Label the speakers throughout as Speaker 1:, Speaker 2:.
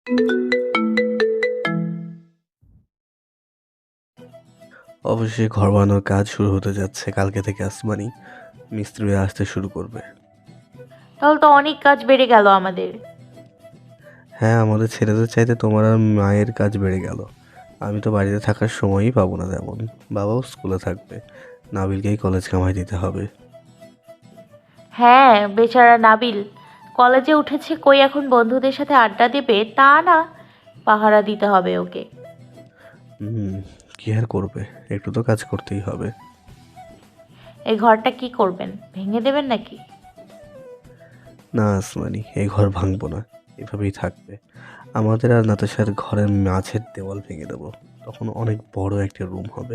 Speaker 1: অবশ্যই ঘর বানানোর কাজ শুরু হতে যাচ্ছে। কালকে থেকে আসমানি মিস্ত্রিরা আসতে শুরু করবে।
Speaker 2: তাহলে তো অনেক কাজ বেড়ে গেল আমাদের।
Speaker 1: হ্যাঁ, আমাদের ছেলেদের চাইতে তোমার আর মায়ের কাজ বেড়ে গেল। আমি তো বাড়িতে থাকার সময়ই পাবো না তেমন। বাবাও স্কুলে থাকবে। নাবিলকেই কলেজ কামাই দিতে হবে।
Speaker 2: হ্যাঁ, বেচারা নাবিল কলেজে উঠেছে, কই এখন বন্ধুদের সাথে আড্ডা দেবে তা না, পাহারা দিতে হবে ওকে।
Speaker 1: হুম, কি আর করবে? একটু তো কাজ করতেই হবে।
Speaker 2: এই ঘরটা কি করবেন, ভেঙে দেবেন নাকি?
Speaker 1: না আসমানি, এই ঘর ভাঙবো না। এভাবেই থাকবে। আমাদের আর নাতাশার ঘরের মাঝের দেওয়াল ভেঙে দেবো। তখন অনেক বড় একটা রুম হবে।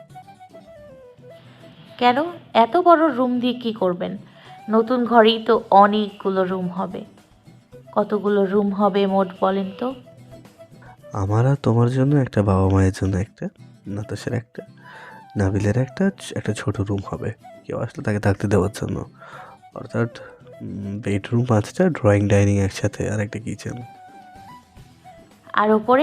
Speaker 2: কেন? এত বড় রুম দিয়ে কি করবেন? নতুন ঘরেই তো অনেকগুলো রুম হবে। কতগুলো রুম হবে মোট বলেন তো?
Speaker 1: আমার আর তোমার জন্য একটা, বাবা মায়ের জন্য একটা, নাতাশার একটা, নাবিলের একটা, একটা ছোট রুম হবে কেউ আসলে তাকে থাকতে দেওয়ার জন্য। অর্থাৎ বেডরুম ৫টা, ড্রয়িং ডাইনিং একসাথে, আর একটা কিচেন।
Speaker 2: আর ওপরে?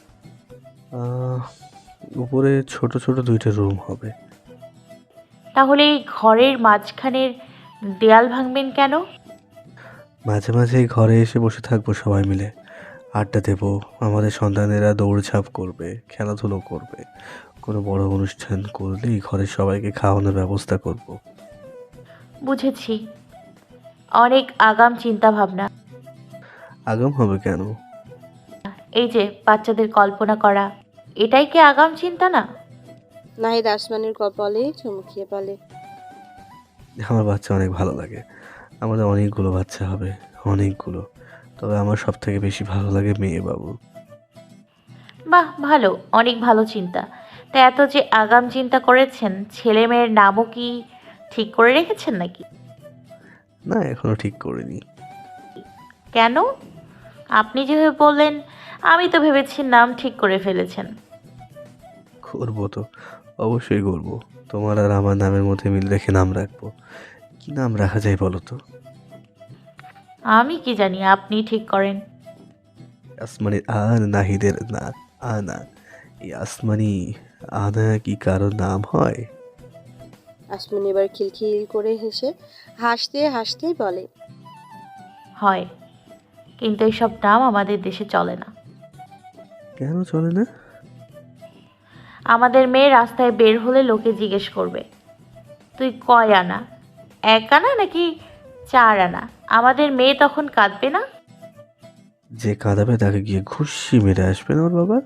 Speaker 1: উপরে ছোট ছোট ২টা রুম হবে।
Speaker 2: তাহলে এই ঘরের মাঝখানের দেয়াল ভাঙবেন কেন?
Speaker 1: মাঝে মাঝে এই ঘরে এসে বসে থাকবো সবাই মিলে, আড্ডা দেবো। আমাদের সন্তানেরা দৌড়ঝাঁপ করবে, খেলাধুলো করবে। কোনো বড় অনুষ্ঠান করলেই ঘরের সবাইকে খাওয়ানোর ব্যবস্থা করব।
Speaker 2: বুঝেছি, অনেক আগাম চিন্তা ভাবনা।
Speaker 1: আগাম হবে কেন?
Speaker 2: এই যে বাচ্চাদের কল্পনা করা, এটাই কি আগাম চিন্তা না?
Speaker 3: নাহিদ আসমানের কপালে চুমুকিয়ে বলে।
Speaker 1: আমার বাচ্চা অনেক ভালো লাগে। আমাদের অনেকগুলো বাচ্চা হবে, অনেকগুলো। তবে আমার সব থেকে বেশি ভালো লাগে মেয়ে বাবু।
Speaker 2: বাহ, ভালো, অনেক ভালো চিন্তা। তা এত যে আগাম চিন্তা করেছেন, ছেলে মেয়ের নামও কি ঠিক করে রেখেছেন নাকি?
Speaker 1: না, এখনো ঠিক করিনি।
Speaker 2: কেন? আপনি যেভাবে বললেন, আমি তো ভেবেছি নাম ঠিক করে ফেলেছেন।
Speaker 1: করবো তো, অবশ্যই করবো। তোমার আর আমার নামের মধ্যে মিল রেখে নাম রাখবো। কি নাম রাখা যায় বলো তো?
Speaker 2: আমি কি জানি, আপনি ঠিক করেন।
Speaker 1: আসমানি আ, নাহিদের না। আনা, এই আসমানি আনা কি কারো নাম হয়?
Speaker 3: আসমান এবার খিলখিল করে হেসে হাসতে হাসতেই বলে।
Speaker 2: হয়, কিন্তু এইসব নাম আমাদের দেশে চলে না।
Speaker 1: কেন চলে না?
Speaker 2: আমাদের মেয়ে রাস্তায় বের হলে লোকে জিজ্ঞেস করবে, তুই কয় আনা, এক আনা নাকি চার আনা? আমাদের মেয়ে তখন কাঁদবে না?
Speaker 1: যে কাঁদাবে তাকে গিয়ে ঘুষি মেরে আসবেন ওর বাবা।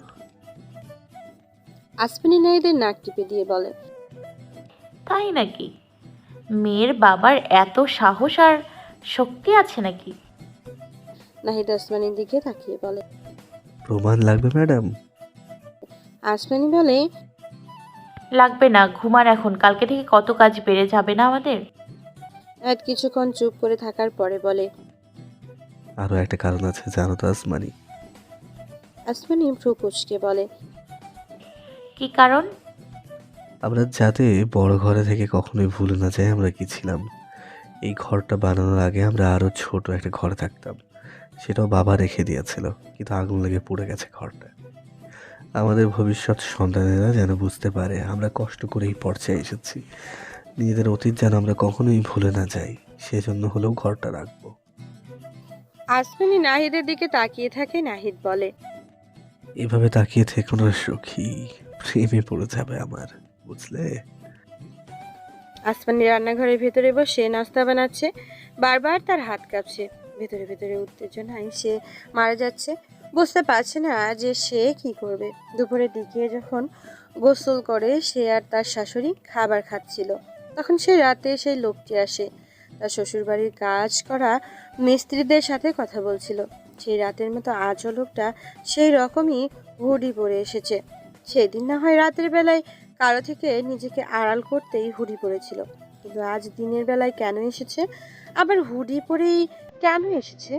Speaker 3: আসমানি নাহিদের নাক টিপে দিয়ে বলে।
Speaker 2: তাই নাকি? মেয়ের বাবার এত সাহস আর শক্তি আছে নাকি?
Speaker 3: নাহিদ আসমানির দিকে তাকিয়ে বলে।
Speaker 1: প্রমাণ লাগবে ম্যাডাম?
Speaker 3: আসমানি বলে।
Speaker 2: লাগবে না, ঘুমান এখন, কালকে থেকে কত কাজ বেড়ে যাবে না আমাদের।
Speaker 3: নাহিদ কিছুক্ষণ চুপ করে থাকার পরে বলে।
Speaker 1: আরো একটা কারণ আছে জানো তো আসমানি?
Speaker 3: আসমানি ভ্রু কুঁচকে বলে।
Speaker 2: কি কারণ?
Speaker 1: আমরা যাতে বড় ঘরে থেকে কখনোই ভুলে না যাই আমরা কি ছিলাম। এই ঘরটা বানানোর আগে আমরা আরো ছোট একটা ঘরে থাকতাম। সেটাও বাবা রেখে দিয়েছিল, কিন্তু আগুন লেগে পুড়ে গেছে ঘরটা। আমাদের ভবিষ্যৎ সন্তানেরা যেন বুঝতে পারে আমরা কষ্ট করে এই পর্যায়ে এসেছি। নিজেদের অতীত যেন আমরা কখনোই ভুলে না যাই, সেজন্য হলেও ঘরটা রাখবো।
Speaker 3: আসমানি নাহিদের দিকে তাকিয়ে থাকে। নাহিদ বলে।
Speaker 1: এভাবে তাকিয়ে থেকো না সখী, প্রেমে পড়ে যাবে আমার, বুঝলে?
Speaker 3: আসমানি রান্নাঘরের ভেতরে বসে নাস্তা বানাচ্ছে। বারবার তার হাত কাঁপছে। ভেতরে ভেতরে উত্তেজনায় সে মারা যাচ্ছে। বুঝতে পারছে না যে সে কি করবে। দুপুরের দিকে যখন গোসল করে সে আর তার শাশুড়ি খাবার খাচ্ছিল, তখন সে রাতে সেই লোকটি আসে। তার শ্বশুরবাড়ির কাজ করা মিস্ত্রিদের সাথে কথা বলছিল। সেই রাতের মতো আজও লোকটা সেই রকমই হুডি পরে এসেছে। সেদিন না হয় রাতের বেলায় কারো থেকে নিজেকে আড়াল করতেই হুডি পরেছিল, কিন্তু আজ দিনের বেলায় কেন এসেছে? আবার হুডি পরেই কেন এসেছে?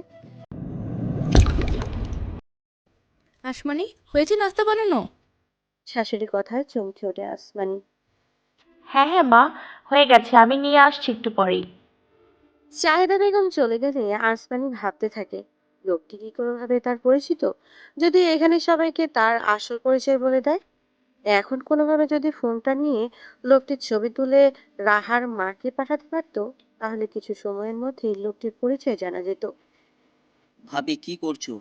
Speaker 4: আসমানি, হয়েছে নাস্তা বানানো?
Speaker 3: শাশুড়ি কথায় চমকে ওঠে আসমানি।
Speaker 2: হ্যাঁ হ্যাঁ মা, হয়ে গেছে, আমি নিয়ে আসছি একটু পরেই।
Speaker 3: চাহিদা বেগম চলে গেলে আসমানি ভাবতে থাকে, লোকটি কি কোনোভাবে তার পরিচিত? যদি এখানে সবাইকে তার আসল পরিচয় বলে দেয়? এখন কোনোভাবে যদি ফোনটা নিয়ে লোকটির ছবি তুলে রাহার মাকে পাঠাতে পারতো, তাহলে কিছু সময়ের মধ্যেই লোকটির পরিচয় জানা যেত।
Speaker 5: ভাবি কি করছো?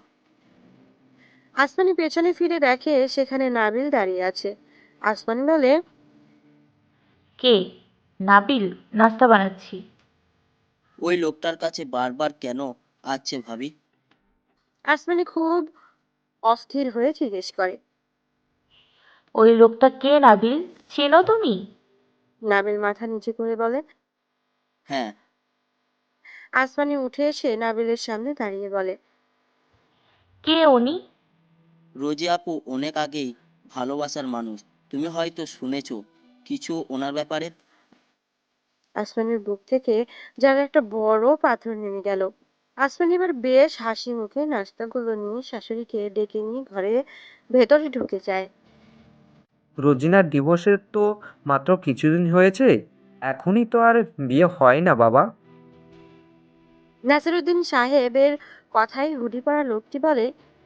Speaker 3: আসমানি পেছনে ফিরে দেখে সেখানে নাবিল দাঁড়িয়ে আছে। আসমানি বলে,
Speaker 2: কে? নাবিল? নাস্তা বানাচ্ছি।
Speaker 5: ওই লোকটার কাছে বারবার কেন আসছে ভাবি?
Speaker 3: আসমানি খুব অস্থির হয়ে জিজ্ঞেস করে।
Speaker 2: ওই লোকটা কে নাবিল? চেনো তুমি?
Speaker 3: নাবিল মাথা নিচু করে বলে।
Speaker 5: হ্যাঁ।
Speaker 3: আসমানি উঠে এসে নাবিলের সামনে দাঁড়িয়ে বলে,
Speaker 2: কে উনি?
Speaker 5: রোজি আপু অনেক আগেই ভালোবাসার মানুষ। তুমি হয়তো শুনেছো কিছু ওনার ব্যাপারে।
Speaker 3: আসমানির বুক থেকে যেন একটা বড় পাথর নেমে গেল। আসমানি এবার বেশ হাসি মুখে নাস্তাগুলো নিয়ে শাশুড়িকে ডেকে নিয়ে ঘরে ভেতরে ঢুকে যায়।
Speaker 6: রোজিনার ডিভোর্সের তো মাত্র কিছুদিন হয়েছে, এখনই তো আর বিয়ে হয় না বাবা।
Speaker 3: নাসিরুদ্দিন সাহেবের কথায় হুডি পড়া লোকটি বলে,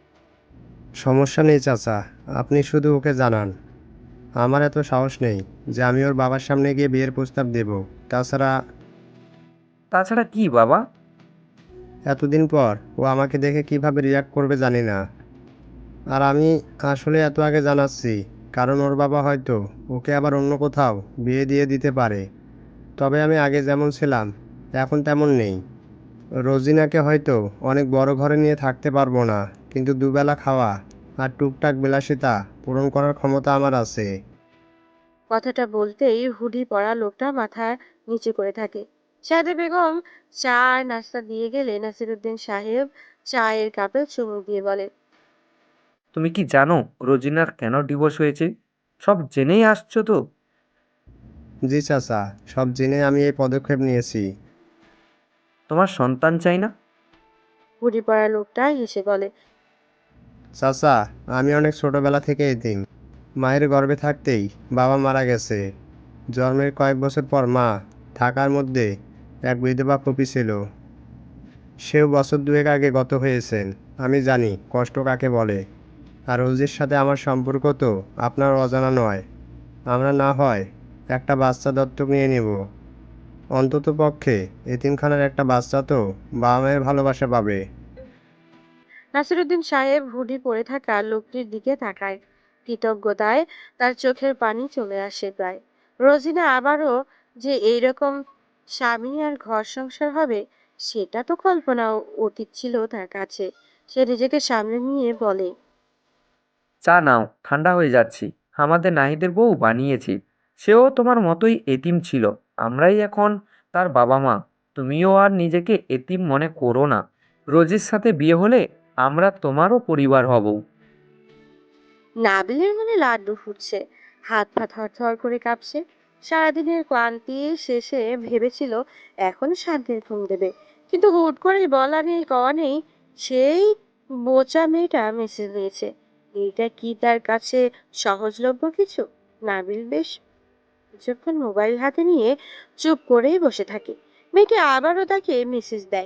Speaker 7: সমস্যা নেই চাচা, আপনি শুধু ওকে জানান। আমার এত সাহস নেই যে আমি ওর বাবার সামনে গিয়ে বিয়ের প্রস্তাব দেব। তাছাড়া
Speaker 6: তাছাড়া কি বাবা?
Speaker 7: এতদিন পর ও আমাকে দেখে কিভাবে রিয়াক্ট করবে জানি না। আর আমি আসলে এত আগে জানাচ্ছি কারণ ওর বাবা হয়তো ওকে আবার অন্য কোথাও বিয়ে দিয়ে দিতে পারে। তবে আমি আগে যেমন ছিলাম এখন তেমন নেই। রোজিনাকে হয়তো অনেক বড় ঘরে নিয়ে থাকতে পারবো না, কিন্তু দুবেলা খাওয়া আর টুকটাক বিলাসিতা পূরণ করার ক্ষমতা আমার আছে।
Speaker 3: কথাটা বলতেই হুডি পরা লোকটা মাথা নিচু করে থাকে। সাহেদা বেগম চা আর নাস্তা দিয়ে গেলে নাসিরুদ্দিন সাহেব চায়ের কাপে চুমুক দিয়ে বলে,
Speaker 6: তুমি কি জানো রোজিনার কেন ডিভোর্স হয়েছে? সব জেনেই আসছো তো?
Speaker 7: জি চাচা, সব জেনে আমি এই পদক্ষেপ নিয়েছি।
Speaker 6: তোমার সন্তান চাই না?
Speaker 3: হুডি পরা লোকটা হেসে বলে,
Speaker 7: চাচা, আমি অনেক ছোটবেলা থেকে এতিম। মায়ের গর্ভে থাকতেই বাবা মারা গেছে। জন্মের কয়েক বছর পর মা থাকার মধ্যে এক বিধবা ফুপি ছিল, সেও বছর দুয়েক আগে গত হয়েছেন। আমি জানি কষ্ট কাকে বলে। আর রোজির সাথে আমার সম্পর্ক তো আপনার অজানা নয়। আমরা না হয় একটা বাচ্চা দত্তক নিয়ে নেব। অন্তত পক্ষে এতিমখানার একটা বাচ্চা তো বাবা মায়ের ভালোবাসা পাবে।
Speaker 3: নাসিরুদ্দিন সাহেব হুডি পরে থাকা লোকটির দিকে তাকায়। কৃতজ্ঞতায় তার চোখের পানি চলে আসে প্রায়। রোজিনা আবারও যে এইরকম স্বামী আর ঘর সংসার হবে, সেটা তো কল্পনা অতীত ছিল তার কাছে। সে নিজেকে সামনে নিয়ে বলে,
Speaker 6: চা নাও, ঠান্ডা হয়ে যাচ্ছি। আমাদের নাহিদের বউ বানিয়েছি। সেও তোমার মতোই এতিম ছিল। আমরাই এখন তার বাবা মা। তুমিও আর নিজেকে এতিম মনে করো না। রোজির সাথে বিয়ে হলে আমরা তোমারও পরিবার হব।
Speaker 3: নাবিলের মনে লাড্ডু ফুটছে, হাত পা থরথর করে কাঁপছে। সারাদিনের ক্লান্তি শেষে ভেবেছিল এখন শান্তির ঘুম দেবে, কিন্তু হুট করে বলা নেই কওয়া নেই সেই বোচা মেয়েটা মেসেজ দিয়েছে। এটা কি তার কাছে সহজলভ্য কিছু? নাবিল বেশ কিছুক্ষণ মোবাইল হাতে নিয়ে চুপ করেই বসে থাকে। মেয়েটি আবারও তাকে মেসেজ দেয়।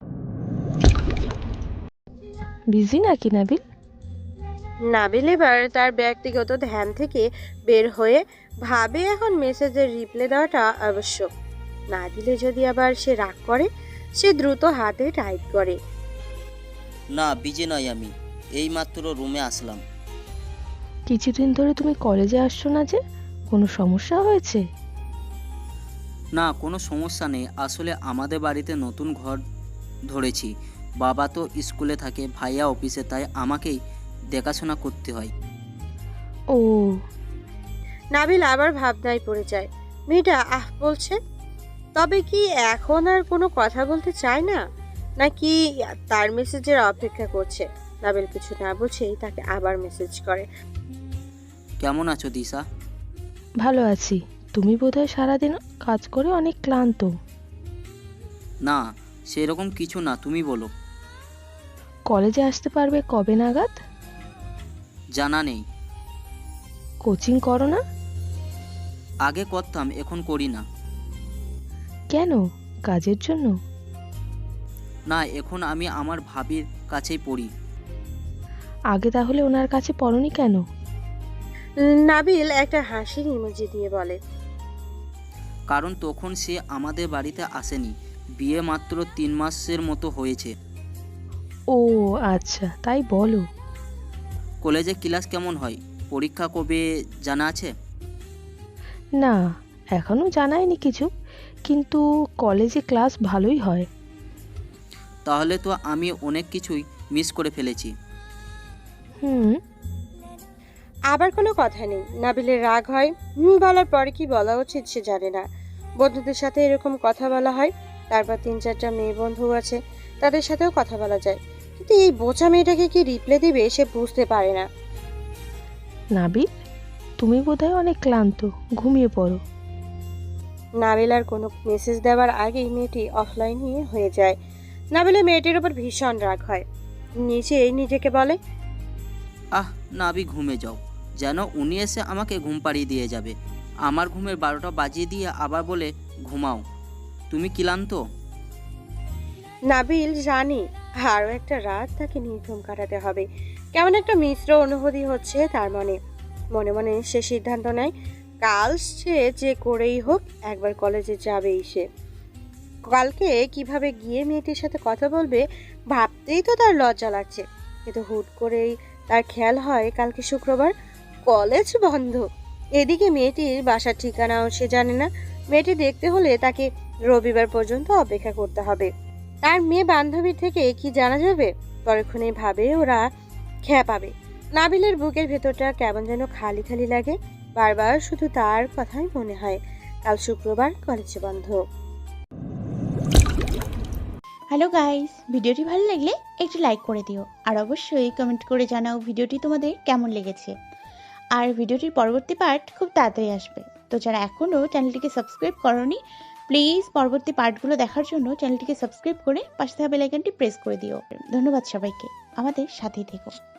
Speaker 4: বিজি নাকি নাবিল?
Speaker 3: নাবিল এবার তার ব্যক্তিগত ধ্যান থেকে বের হয়ে ভাবে এখন মেসেজের রিপ্লাই দেওয়াটা আবশ্যক। না দিলে যদি আবার সে রাগ করে, সে দ্রুত হাতে টাইপ করে,
Speaker 5: না বিজে নয়, আমি এইমাত্র রুমে আসলাম।
Speaker 4: কিছুদিন ধরে তুমি কলেজে আসছো না যে, কোনো সমস্যা হয়েছে?
Speaker 5: না কোনো সমস্যা নেই, আসলে আমাদের বাড়িতে নতুন ঘর ধরেছি। বাবা তো স্কুলে থাকে, ভাইয়া অফিসে, তাই আমাকেই দেখাশোনা করতে হয়।
Speaker 4: ও,
Speaker 3: নাবিল আবার ভাবনায় পড়ে যায়। মেয়েটা আহ বলছে, তবে কি এখন আর কোনো কথা বলতে চায় না, নাকি তার মেসেজের অপেক্ষা করছে? নাবিল কিছু না বুঝেই তাকে আবার মেসেজ করে,
Speaker 5: কেমন আছো দিশা?
Speaker 4: ভালো আছি। তুমি বোধহয় সারাদিন কাজ করে অনেক ক্লান্ত।
Speaker 5: না সেরকম কিছু না, তুমি বলো।
Speaker 4: কলেজে আসতে পারবে কবে নাগাদ?
Speaker 5: জানা নেই।
Speaker 4: কোচিং করো না?
Speaker 5: আগে করতাম, এখন করি না।
Speaker 4: কেন? কাজের জন্য?
Speaker 5: না এখন আমি আমার ভাবির কাছেই পড়ি।
Speaker 4: আগে তাহলে ওনার কাছে পড়নি কেন?
Speaker 3: নাবিল একটা হাসির ইমোজি দিয়ে বলে,
Speaker 5: কারণ তখন সে আমাদের বাড়িতে আসেনি, বিয়ে মাত্র 3 মাসের মতো হয়েছে।
Speaker 4: ও আচ্ছা, তাই বলো।
Speaker 5: কলেজে ক্লাস কেমন হয়, পরীক্ষা কবে জানা আছে?
Speaker 4: না, এখনো জানায়নি কিছু, কিন্তু কলেজে ক্লাস ভালোই হয়।
Speaker 5: তাহলে তো আমি অনেক কিছুই মিস করে ফেলেছি।
Speaker 4: হুম।
Speaker 3: আবার কোনো কথা নেই। নাবিলের রাগ হয়, বলার পরে কি বলা উচিত সে জানে না। বন্ধুদের সাথে এরকম কথা বলা হয়, তারপর 3-4টা মেয়ে বন্ধু আছে, তাদের সাথেও কথা বলা যায়, কিন্তু এই বোচা মেয়েটাকে কি রিপ্লাই দিবে সে বুঝতে পারে না।
Speaker 4: নাবিল, তুমি বোধহয় অনেক ক্লান্ত, ঘুমিয়ে পড়ো।
Speaker 3: নাবিল আর কোনো মেসেজ দেওয়ার আগেই মেয়েটি অফলাইনে হয়ে যায়। নাবিলের মেয়েটির উপর ভীষণ রাগ হয়, নিজেকে বলে,
Speaker 5: আহ নাবি, ঘুমে যাও, যেন উনি এসে আমাকে ঘুম পাড়িয়ে দিয়ে যাবে। আমার ঘুমের 12টা বাজিয়ে দিয়ে আবার বলে ঘুমাও, তুমি ক্লান্ত।
Speaker 3: নাবিল জানি আরও একটা রাত তাকে নির্ঘুম কাটাতে হবে। কেমন একটা মিশ্র অনুভূতি হচ্ছে তার মনে মনে সে সিদ্ধান্ত নেয়, কাল সে যে করেই হোক একবার কলেজে যাবেই সে। কালকে কিভাবে গিয়ে মেয়েটির সাথে কথা বলবে ভাবতেই তো তার লজ্জা লাগছে, কিন্তু হুট করেই তার খেয়াল হয় কালকে শুক্রবার, কলেজ বন্ধ। এদিকে মেয়েটির বাসার ঠিকানাও সে জানে না। মেয়েটি দেখতে হলে তাকে রবিবার পর্যন্ত অপেক্ষা করতে হবে। তার মেয়ে বান্ধবীর থেকে কি জানা যাবে? পরক্ষণে ভাবে ওরা খেয়া পাবে। নাবিলের বুকের ভেতরটা কেমন যেন খালি খালি লাগে, বারবার শুধু তার কথাই মনে হয়। কাল শুক্রবার, কলেজ বন্ধ।
Speaker 8: হ্যালো গাইস, ভিডিওটি ভালো লাগলে একটু লাইক করে দিও, আর অবশ্যই কমেন্ট করে জানাও ভিডিওটি তোমাদের কেমন লেগেছে। আর ভিডিওটির পরবর্তী পার্ট খুব তাড়াতাড়ি আসবে, তো যারা এখনও চ্যানেলটিকে সাবস্ক্রাইব করোনি প্লিজ পরবর্তী পার্টগুলো দেখার জন্য চ্যানেলটিকে সাবস্ক্রাইব করে পাশে থাকা বেল আইকনটি প্রেস করে দিও। ধন্যবাদ সবাইকে, আমাদের সাথেই থেকো।